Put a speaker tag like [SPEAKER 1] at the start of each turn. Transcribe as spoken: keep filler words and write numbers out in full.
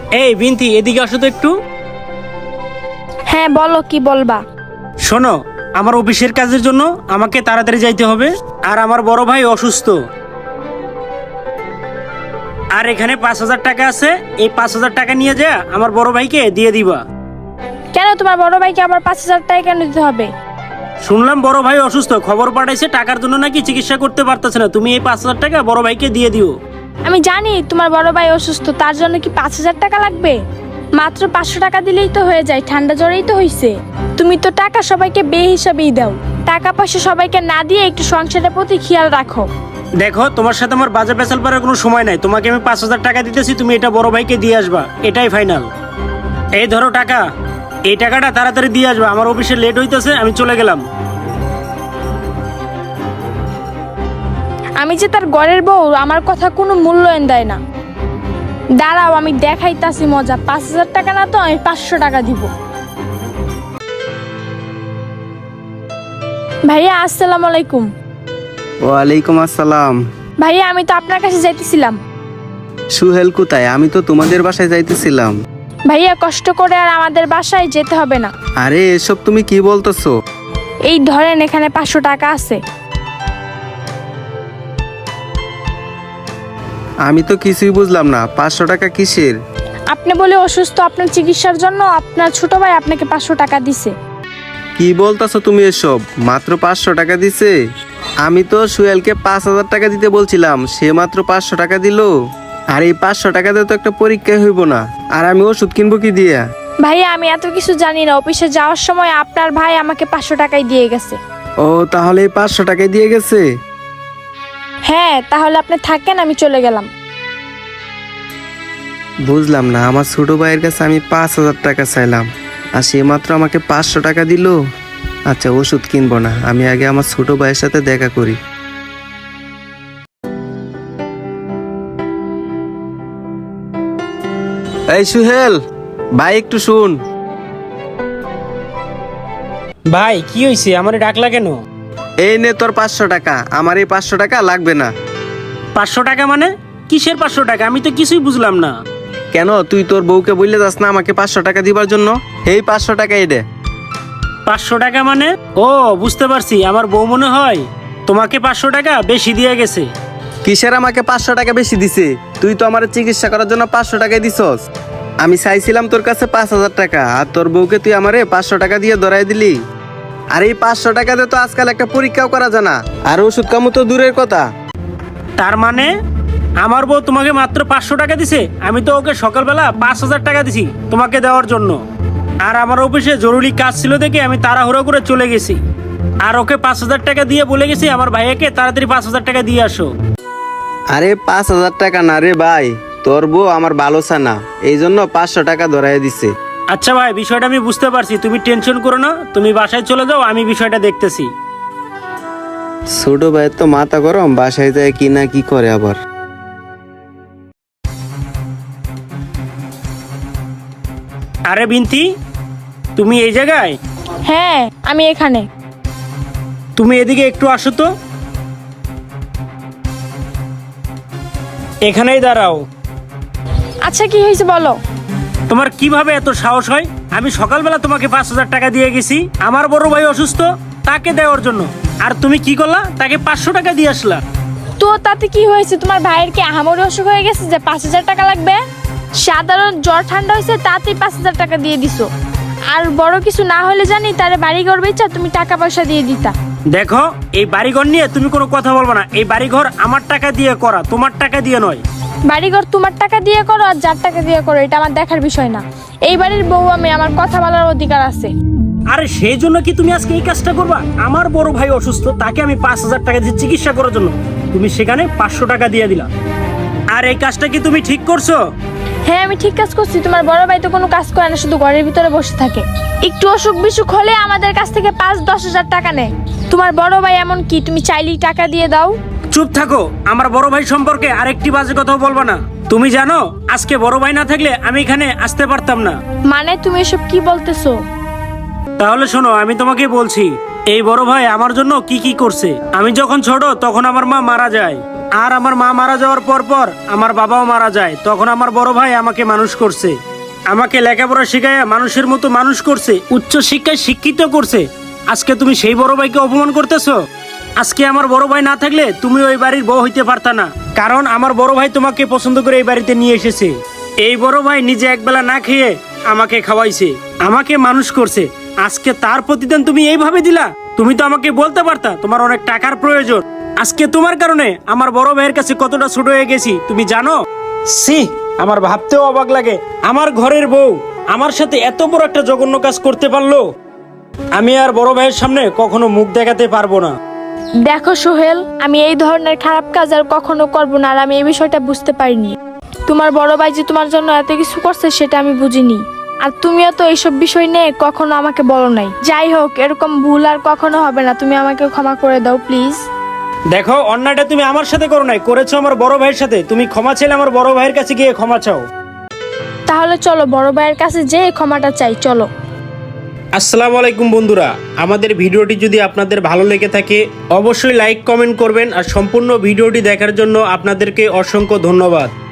[SPEAKER 1] এই বিনতি, এদিকে আসো তো একটু।
[SPEAKER 2] হ্যাঁ বলো, কি বলবা?
[SPEAKER 1] শোনো, আমার অফিসের কাজের জন্য আমাকে তাড়াতাড়ি যাইতে হবে, আর আমার বড় ভাই অসুস্থ। আর এখানে পাঁচ হাজার টাকা আছে, এই পাঁচ হাজার টাকা নিয়ে যা আমার বড় ভাইকে দিয়ে দিবা।
[SPEAKER 2] কেন তোমার বড় ভাইকে আবার পাঁচ হাজার টাকা কেন দিতে হবে?
[SPEAKER 1] শুনলাম বড় ভাই অসুস্থ, খবর পাঠাইছে টাকার জন্য নাকি চিকিৎসা করতে পারতেছে না। তুমি এই পাঁচ হাজার টাকা বড় ভাইকে দিয়ে দিও।
[SPEAKER 2] আমি জানি তোমার বড় ভাই অসুস্থ, তার জন্য কি পাঁচ হাজার টাকা লাগবে? মাত্র পাঁচশো টাকা দিলেই তো হয়ে যায়, ঠান্ডা জ্বরেই তো হইছে। তুমি তো টাকা সবাইকে বে হিসাবেই দাও, টাকা পয়সা সবাইকে না দিয়ে একটু সংসারের প্রতি খেয়াল রাখো।
[SPEAKER 1] দেখো, তোমার সাথে আমার বাজার পেছাল পারার কোনো সময় নাই। তোমাকে আমি পাঁচ হাজার টাকা দিতেছি, তুমি এটা বড় ভাইকে দিয়ে আসবা, এটাই ফাইনাল। এই ধরো টাকা, এই টাকাটা তাড়াতাড়ি দিয়ে আসবা, আমার অফিসে লেট হইতেছে, আমি চলে গেলাম।
[SPEAKER 2] আমি যে তার ঘরের বউ, আমার কথা কোনো মূল্যায়ন দেয় না। দাঁড়াও, আমি দেখাইতাছি মজা। পাঁচ হাজার টাকা না তো, আমি পাঁচশো টাকা দিব। ভাইয়া আসসালামু আলাইকুম।
[SPEAKER 3] ওয়ালাইকুম আসসালাম।
[SPEAKER 2] ভাইয়া আমি তো আপনার কাছে যাইতেছিলাম।
[SPEAKER 3] সুহেল কোথায়? আমি তো তোমাদের বাসায় যাইতেছিলাম।
[SPEAKER 2] ভাইয়া কষ্ট করে আর আমাদের বাসায় যেতে হবে না।
[SPEAKER 3] আরে এসব তুমি কি বলতেছো?
[SPEAKER 2] এই ধরেন, এখানে পাঁচশো টাকা আছে।
[SPEAKER 3] আমি তো কিছুই বুঝলাম না, পাঁচশো টাকা কিসের?
[SPEAKER 2] আপনি বলে অসুস্থ, আপনার চিকিৎসার জন্য আপনার ছোট ভাই আপনাকে পাঁচশো টাকা দিছে।
[SPEAKER 3] কি বলতেছো তুমি এসব? মাত্র পাঁচশো টাকা দিছে? আমি তো সুহেলকে পাঁচ হাজার টাকা দিতে বলছিলাম, সে মাত্র পাঁচশো টাকা দিল। আর এই পাঁচশো টাকা দিয়ে তো একটা পরীক্ষায় হইব না, আর আমি ওষুধ কিনবো কি দিয়া?
[SPEAKER 2] ভাইয়া আমি এত কিছু জানি না, অফিসে যাওয়ার সময় আপনার ভাই আমাকে পাঁচশো টাকাই দিয়ে গেছে।
[SPEAKER 3] ও, তাহলে এই পাঁচশো টাকায় দিয়ে গেছে?
[SPEAKER 2] হ্যাঁ, তাহলে আপনি থাকেন, আমি চলে গেলাম।
[SPEAKER 3] বুঝলাম না, আমার ছোট ভাইয়ের কাছে আমি পাঁচ হাজার টাকা চাইলাম, আর সে মাত্র আমাকে পাঁচশো টাকা দিল। আচ্ছা, ওষুধ কিনবো না, আমি আগে আমার ছোট ভাইয়ের সাথে দেখা করি। এই সুহেল ভাই, একটু শুন।
[SPEAKER 1] ভাই কি হয়েছে, আমারে ডাকলা কেন?
[SPEAKER 3] এই নে তোর পাঁচশো টাকা। আমার এই পাঁচশো টাকা লাগবে না।
[SPEAKER 1] পাঁচশো টাকা মানে? কিসের পাঁচশো টাকা? আমি তো কিছুই বুঝলাম না।
[SPEAKER 3] কেন, তুই তোর বউকে বললে যাস না আমাকে পাঁচশো টাকা দিবার জন্য? এই পাঁচশো টাকা এডে।
[SPEAKER 1] পাঁচশো টাকা মানে? ও, বুঝতে পারছি, আমার বউ মনে হয় তোমাকে পাঁচশো টাকা বেশি দিয়ে গেছে।
[SPEAKER 3] কিসের আমাকে পাঁচশো টাকা বেশি দিছে? তুই তো আমার চিকিৎসা করার জন্য পাঁচশো টাকাই দিছস। আমি চাইছিলাম তোর কাছে পাঁচ হাজার টাকা, আর তোর বউকে তুই আমারে পাঁচশো টাকা দিয়ে ধরাই দিলি। আর এই পাঁচশো টাকাতে তো আজকাল একটা পরীক্ষাও করা যায় না, আর ওষুধ কামু তো দূরের কথা।
[SPEAKER 1] তার মানে আমার বউ তোমাকে মাত্র পাঁচশো টাকা দিছে? আমি তো ওকে সকালবেলা পাঁচ হাজার টাকা দিছি তোমাকে দেওয়ার জন্য, আর আমার অফিসে জরুরি কাজ ছিল দেখে আমি তাড়াহুড়ো করে চলে গেছি, আর ওকে পাঁচ হাজার টাকা দিয়ে বলে গেছি আমার ভাইয়াকে তাড়াতাড়ি পাঁচ হাজার টাকা দিয়ে আসো।
[SPEAKER 3] আরে পাঁচ হাজার টাকা না রে ভাই, তোর বউ আমার ভালো না, এই জন্য পাঁচশো টাকা ধরাই দিছে।
[SPEAKER 1] আচ্ছা ভাই, বিষয়টা আমি বুঝতে পারছি, তুমি টেনশন করো না, তুমি বাসায় চলে যাও, আমি বিষয়টা দেখতেছি।
[SPEAKER 3] ছোট ভাইয়ের তো মাথা গরম, বাসায় যায় কি না কি করে আবার।
[SPEAKER 1] আরে বিনতি, তুমি এই জায়গায়?
[SPEAKER 2] হ্যাঁ, আমি এখানে।
[SPEAKER 1] তুমি এদিকে একটু আসো তো। এখানেই দাঁড়াও।
[SPEAKER 2] আচ্ছা, কি হয়েছে বলো।
[SPEAKER 1] তোমার কিভাবে এত সাহস হয়? আমি সকালবেলা তোমাকে পাঁচ হাজার টাকা দিয়ে গেছি আমার বড় ভাই অসুস্থ, তাকে দেওয়ার জন্য, আর তুমি কি করলা? তাকে পাঁচশো টাকা দিয়ে আসলা।
[SPEAKER 2] তো তাতে কি হয়েছে? তোমার ভাইয়ের কি আহামরি অসুখ হয়ে গেছে যে পাঁচ হাজার টাকা লাগবে? সাধারণ জ্বর ঠান্ডা হয়েছে, তাতেই পাঁচ হাজার টাকা দিয়ে দিছো। আর বড় কিছু না হলে জানি তারে বাড়ি ঘর বেচা তুমি টাকা পয়সা দিয়ে দিতা।
[SPEAKER 1] দেখো, এই বাড়িঘর নিয়ে তুমি কোনো কথা বলবো না। এই বাড়িঘর আমার টাকা দিয়ে করা, তোমার টাকা দিয়ে নয়।
[SPEAKER 2] বাড়িঘর তোমার টাকা দিয়ে করো আর যার টাকা দিয়ে করো, এটা আমার দেখার বিষয় না। এই বাড়ির বউ আমি, আমার কথা বলার অধিকার আছে।
[SPEAKER 1] আরে সেই জন্য কি তুমি আজকে এই কাজটা করবা? আমার বড় ভাই অসুস্থ, তাকে আমি পাঁচ হাজার টাকা দিয়ে চিকিৎসা করার জন্য তুমি সেখানে পাঁচশো টাকা দিয়ে দিলা, আর এই কাজটা কি তুমি ঠিক করছো?
[SPEAKER 2] হ্যাঁ, আমি ঠিক কাজ করছি। তোমার বড় ভাই তো কোনো কাজ করে না, শুধু ঘরের ভিতরে বসে থাকে। একটু অসুখ বিসুখ হলে আমাদের কাছ থেকে পাঁচ দশ হাজার টাকা নেয়। তোমার বড় ভাই এমন কি তুমি চাইলেই টাকা দিয়ে দাও?
[SPEAKER 1] চুপ থাকো, আমার বড় ভাই সম্পর্কে আরেকটি বাজে কথাও বলবা না। তুমি জানো আজকে বড় ভাই না থাকলে আমি এখানে আসতে পারতাম না।
[SPEAKER 2] মানে তুমি এসব কি বলতেছো?
[SPEAKER 1] তাহলে শোনো, আমি তোমাকে বলছি, এই বড় ভাই আমার জন্য কি কি করছে। আমি যখন ছোট তখন আমার মা মারা যায়, আর আমার মা মারা যাওয়ার পর পর আমার বাবাও মারা যায়, তখন আমার বড় ভাই আমাকে মানুষ করছে, আমাকে লেখাপড়া শিখায় মানুষের মতো মানুষ করছে, উচ্চ শিক্ষায় শিক্ষিত করছে। আজকে তুমি সেই বড় ভাইকে অপমান করতেছো। আজকে আমার বড় ভাই না থাকলে তুমি ওই বাড়ির বউ হইতে পারতা না, কারণ আমার বড় ভাই তোমাকে পছন্দ করে এই বাড়িতে নিয়ে এসেছে। এই বড় ভাই নিজে একবেলা না খেয়ে আমাকে খাওয়াইছে, আমাকে মানুষ করছে। আজকে তার প্রতিদান তুমি এইভাবে দিলা? তুমি তো আমাকে বলতে পারতা তোমার অনেক টাকার প্রয়োজন। আজকে তোমার কারণে আমার বড় ভাইয়ের কাছে কতটা ছোট হয়ে গেছি তুমি জানো? সি, আমার ভাবতেও অবাক লাগে, আমার ঘরের বউ আমার সাথে এত বড় একটা জঘন্য কাজ করতে পারলো। আমি আর বড় ভাইয়ের সামনে কখনো মুখ দেখাতে পারবো না।
[SPEAKER 2] দেখো সোহেল, আমি এই ধরনের খারাপ কাজ আর কখনো করবো না, আর আমি এই বিষয়টা বুঝতে পারিনি। তোমার বড় ভাই যে তোমার জন্য এত কিছু করছে সেটা আমি বুঝিনি, আর তুমিও তো এইসব বিষয় নিয়ে কখনো আমাকে বলো নাই। যাই হোক, এরকম ভুল আর কখনো হবে না, তুমি আমাকে ক্ষমা করে দাও প্লিজ।
[SPEAKER 1] দেখো, অন্যায়টা তুমি আমার সাথে করো নাই, করেছো আমার বড় ভাইয়ের সাথে। তুমি ক্ষমা চাইলে আমার বড় ভাইয়ের কাছে গিয়ে ক্ষমা চাও।
[SPEAKER 2] তাহলে চলো বড় ভাইয়ের কাছে যে ক্ষমাটা চাই, চলো।
[SPEAKER 1] আসসালামু আলাইকুম বন্ধুরা, আমাদের ভিডিওটি যদি আপনাদের ভালো লেগে থাকে অবশ্যই লাইক কমেন্ট করবেন, আর সম্পূর্ণ ভিডিওটি দেখার জন্য আপনাদেরকে অসংখ্য ধন্যবাদ।